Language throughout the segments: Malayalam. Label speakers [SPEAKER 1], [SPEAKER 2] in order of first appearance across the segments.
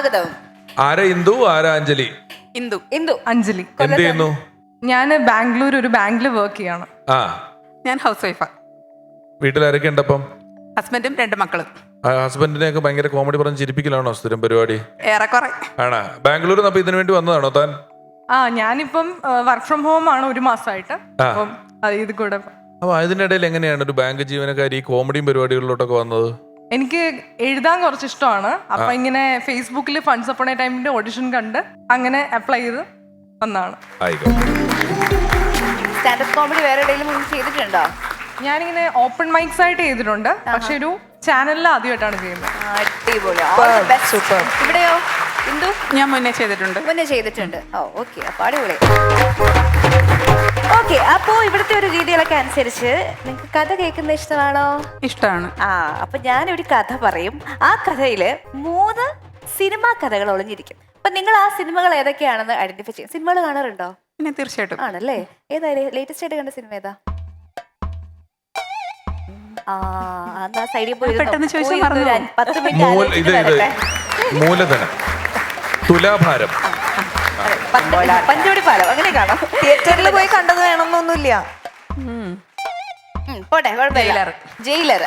[SPEAKER 1] സ്വാഗതം.
[SPEAKER 2] ആരാ ഇന്ദു, ആരാ അഞ്ജലി?
[SPEAKER 1] ഇന്ദു. ഇന്ദു.
[SPEAKER 3] അഞ്ജലി.
[SPEAKER 2] എന്ത് ചെയ്യുന്നു?
[SPEAKER 3] ഞാൻ ബാംഗ്ലൂർ ഒരു ബാങ്കിൽ വർക്ക് ചെയ്യാണ്.
[SPEAKER 2] ആ,
[SPEAKER 1] ഞാൻ ഹൗസ് വൈഫാ.
[SPEAKER 2] വീട്ടിലാരൊക്കെ ഉണ്ടപ്പം?
[SPEAKER 1] ഹസ്ബൻഡും 2 മക്കളും.
[SPEAKER 2] ഹസ്ബൻഡിനെ ഒക്കെ ഭയങ്കര കോമഡി പറഞ്ഞ് ചിരിപ്പിക്കലാണോ സ്ഥിരം പരിപാടി?
[SPEAKER 1] ഏറെക്കുറെ.
[SPEAKER 2] ആണാ? ബാംഗ്ലൂരിൽ നിന്ന് അപ്പൊ ഇതിനു വേണ്ടി വന്നതാണോ താൻ?
[SPEAKER 3] ഞാനിപ്പം വർക്ക് ഫ്രം ഹോം ആണ് 1 മാസമായിട്ട്. അപ്പം ഇത് കൂടെ
[SPEAKER 2] അപ്പൊ അതിനിടയിൽ എങ്ങനെയാണ് ഒരു ബാങ്ക് ജീവനക്കാരി ഈ കോമഡിയും പരിപാടികളിലോട്ടൊക്കെ വന്നത്? എനിക്ക്
[SPEAKER 3] എഴുതാൻ കുറച്ച് ഇഷ്ടമാണ്. അപ്പൊ ഇങ്ങനെ ഫേസ്ബുക്കിൽ ഫണ്ട്സ് അപ്പോൺ എ ടൈമിന്റെ ഓഡിഷൻ കണ്ട് അങ്ങനെ അപ്ലൈ ചെയ്ത് വന്നതാണ്.
[SPEAKER 1] സ്റ്റാൻഡപ്പ് കോമഡി വേറെ എവിടെയെങ്കിലും ചെയ്തിട്ടുണ്ടോ?
[SPEAKER 3] ഞാനിങ്ങനെ ഓപ്പൺ മൈക്സ് ആയിട്ട് ചെയ്തിട്ടുണ്ട്, പക്ഷെ ഒരു ചാനലിൽ ആദ്യമായിട്ടാണ് ചെയ്യുന്നത്.
[SPEAKER 1] അടിപൊളി. ഇവിടെയോ ഇന്ദു? ഞാൻ മുന്നേ ചെയ്തിട്ടുണ്ട്. ഓ ഓക്കെ, അപ്പൊ അടിപൊളി. ഓക്കെ, അപ്പോ ഇവിടുത്തെ ഒരു രീതികളൊക്കെ അനുസരിച്ച് നിങ്ങൾക്ക് കഥ കേൾക്കുന്നത് ഇഷ്ടമാണോ?
[SPEAKER 4] ഇഷ്ടമാണ്.
[SPEAKER 1] അപ്പൊ ഞാനൊരു കഥ പറയും. ആ കഥയില് 3 സിനിമാ കഥകൾ ഒളിഞ്ഞിരിക്കും. അപ്പൊ നിങ്ങൾ ആ സിനിമകൾ ഏതൊക്കെയാണെന്ന് ഐഡന്റിഫൈ ചെയ്യും. സിനിമകൾ കാണാറുണ്ടോ?
[SPEAKER 4] പിന്നെ തീർച്ചയായിട്ടും.
[SPEAKER 1] ആണല്ലേ? ഏതാ ലേറ്റസ്റ്റ് ആയിട്ട് കണ്ട സിനിമ ഏതാ? സൈഡിൽ പോയി
[SPEAKER 4] പെട്ടെന്ന് ചോദിച്ചാൽ
[SPEAKER 1] 10 മിനിറ്റ്.
[SPEAKER 2] മൂലധനം, തുലാഭാരം,
[SPEAKER 1] പഞ്ചവടി പാലം അങ്ങനെ കാണാം.
[SPEAKER 5] തിയേറ്ററിൽ പോയി കണ്ടത് വേണമെന്നൊന്നുമില്ല.
[SPEAKER 1] പോട്ടെ, കുഴപ്പമില്ല. ജയിലർ.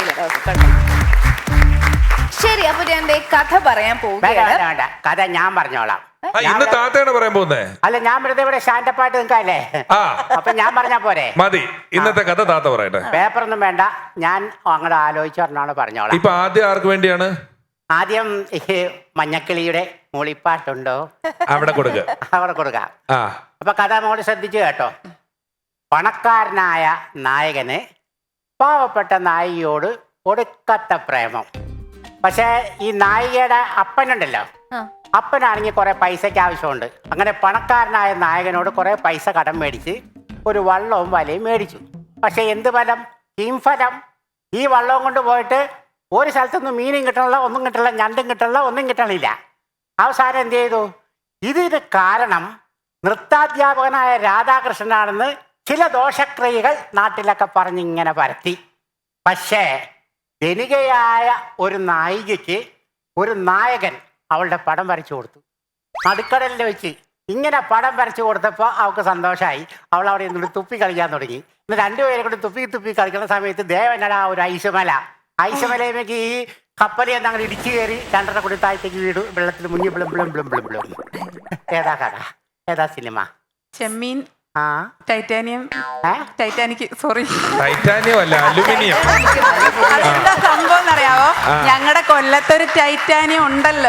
[SPEAKER 1] ശരി, അപ്പൊ ഞാൻ കഥ പറയാൻ പോവുകയാണ്.
[SPEAKER 6] കഥ ഞാൻ പറഞ്ഞോളാം.
[SPEAKER 2] ഇന്ന് താത്തയാണ് പറയാൻ പോകുന്നേ.
[SPEAKER 6] അല്ല, ഞാൻ വെറുതെ ഇവിടെ സ്റ്റാൻഡപ്പായിട്ട് നിൽക്കാല്ലേ. അപ്പൊ ഞാൻ പറഞ്ഞാ പോരെ?
[SPEAKER 2] മതി, ഇന്നത്തെ കഥ താത്ത പറയട്ടെ.
[SPEAKER 6] പേപ്പറൊന്നും വേണ്ട, ഞാൻ അങ്ങോട്ട് ആലോചിച്ച് പറഞ്ഞോളാം, പറഞ്ഞോളാം.
[SPEAKER 2] ഇപ്പൊ ആദ്യം ആർക്ക് വേണ്ടിയാണ്?
[SPEAKER 6] ആദ്യം ഈ മഞ്ഞക്കിളിയുടെ മൂളിപ്പാട്ടുണ്ടോ,
[SPEAKER 2] അവിടെ കൊടുക്ക.
[SPEAKER 6] അവിടെ കൊടുക്കാം. അപ്പൊ കഥ മോള് ശ്രദ്ധിച്ചു കേട്ടോ. പണക്കാരനായ നായകന് പാവപ്പെട്ട നായികയോട് ഒടുക്കത്ത പ്രേമം. പക്ഷേ ഈ നായികയുടെ അപ്പനുണ്ടല്ലോ, അപ്പനാണെങ്കിൽ കുറെ പൈസയ്ക്ക് ആവശ്യമുണ്ട്. അങ്ങനെ പണക്കാരനായ നായകനോട് കുറെ പൈസ കടം മേടിച്ച് ഒരു വള്ളവും വലയും മേടിച്ചു. പക്ഷെ എന്ത് ഫലം? ഫലം. ഈ വള്ളവും കൊണ്ട് പോയിട്ട് ഒരു സ്ഥലത്തൊന്നും മീനും കിട്ടണില്ല, ഒന്നും കിട്ടണില്ല, ഞണ്ടും കിട്ടണില്ല, ഒന്നും കിട്ടണില്ല. അവസാനം എന്ത് ചെയ്തു? ഇതിന് കാരണം നൃത്താധ്യാപകനായ രാധാകൃഷ്ണനാണെന്ന് ചില ദോഷക്രിയകൾ നാട്ടിലൊക്കെ പറഞ്ഞിങ്ങനെ പരത്തി. പക്ഷേ ധനികയായ ഒരു നായികയ്ക്ക് ഒരു നായകൻ അവളുടെ പടം വരച്ചു കൊടുത്തു. നടുക്കടലിൽ വെച്ച് ഇങ്ങനെ പടം വരച്ചു കൊടുത്തപ്പോൾ അവൾക്ക് സന്തോഷമായി. അവൾ അവിടെ നിന്നിട്ട് തുപ്പി കളിക്കാൻ തുടങ്ങി. ഇന്ന് 2 പേരെ കൂടി തുപ്പി കളിക്കുന്ന സമയത്ത് ദേവനടാ ഒരു ഐശമലയിലേക്ക് ഈ കപ്പലിൽ നിന്ന് അങ്ങനെ ഇടിച്ചു കയറി 2.5 കൂടി താഴത്തേക്ക് വീട് വെള്ളത്തിൽ മുങ്ങി ബ്ലും. ഏതാ കഥ? ഏതാ സിനിമ?
[SPEAKER 4] Chemmeen, titanium, titanic. Sorry,
[SPEAKER 2] titanium അല്ല, അലുമിനിയം.
[SPEAKER 4] അതെന്താ സംഭവം എന്നറിയാവോ? ഞങ്ങളുടെ കൊല്ലത്തൊരു ടൈറ്റാനിയം ഉണ്ടല്ലോ.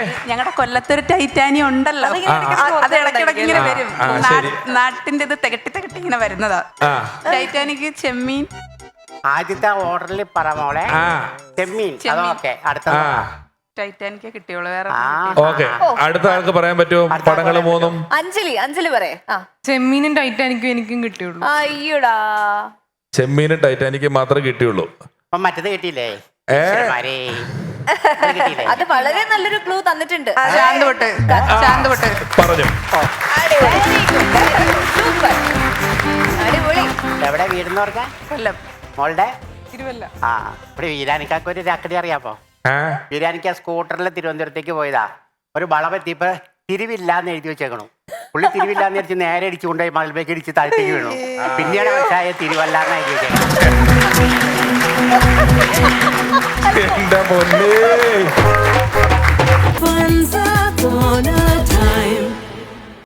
[SPEAKER 4] അത് ഇടയ്ക്കിടയ്ക്ക് ഇങ്ങനെ വരും. നാട്ടിന്റെ ഇത് തികട്ടി ഇങ്ങനെ വരുന്നതാ. ടൈറ്റാനിക്, ചെമ്മീൻ.
[SPEAKER 6] ആദ്യത്തെ ഓർഡറിൽ പറ മോളെ. ചെമ്മീൻ. അതൊക്കെ അടുത്ത
[SPEAKER 4] ടൈറ്റാനിക്കേ കിട്ടിയുള്ളൂ, വേറെ.
[SPEAKER 2] ഓക്കെ, അടുത്ത ആൾക്ക് പറയാൻ പറ്റുമോ പടങ്ങള് 3?
[SPEAKER 1] അഞ്ജലി പറയാ.
[SPEAKER 3] ചെമ്മീനും ടൈറ്റാനിക്കും എനിക്കും കിട്ടിയുള്ളൂ.
[SPEAKER 1] അയ്യോടാ,
[SPEAKER 2] ചെമ്മീനും ടൈറ്റാനിക്കും മാത്രമേ കിട്ടിയുള്ളൂ.
[SPEAKER 6] മറ്റത് കിട്ടിയില്ലേ?
[SPEAKER 1] അത് വളരെ നല്ലൊരു ക്ലൂ തന്നിട്ടുണ്ട്.
[SPEAKER 2] പറഞ്ഞു.
[SPEAKER 1] അടിപൊളി.
[SPEAKER 6] എവിടെ വീടെന്ന് പറഞ്ഞാൽ?
[SPEAKER 4] കൊല്ലം.
[SPEAKER 6] മോളുടെ
[SPEAKER 3] തിരുവല്ല.
[SPEAKER 6] ഇവിടെ വീരാനിക്കാക്ക് ഒരു ചക്കടി അറിയാമോ? വീരാനിക്ക സ്കൂട്ടറിൽ തിരുവനന്തപുരത്തേക്ക് പോയതാ. ഒരു വളവെത്തിയപ്പോ തിരിവില്ലാന്ന് എഴുതി വെച്ചേക്കണു. പുള്ളി തിരിവില്ലാന്ന് വിചാരിച്ച് നേരെ ഇടിച്ചു കൊണ്ടുപോയി മതിൽബേക്ക് ഇടിച്ച് താഴത്തേക്ക് വീണു. പിന്നീട് മനസ്സിലായ തിരുവല്ലാന്ന് എഴുതി വെച്ചേക്കണം.
[SPEAKER 2] എന്റെ പൊന്നു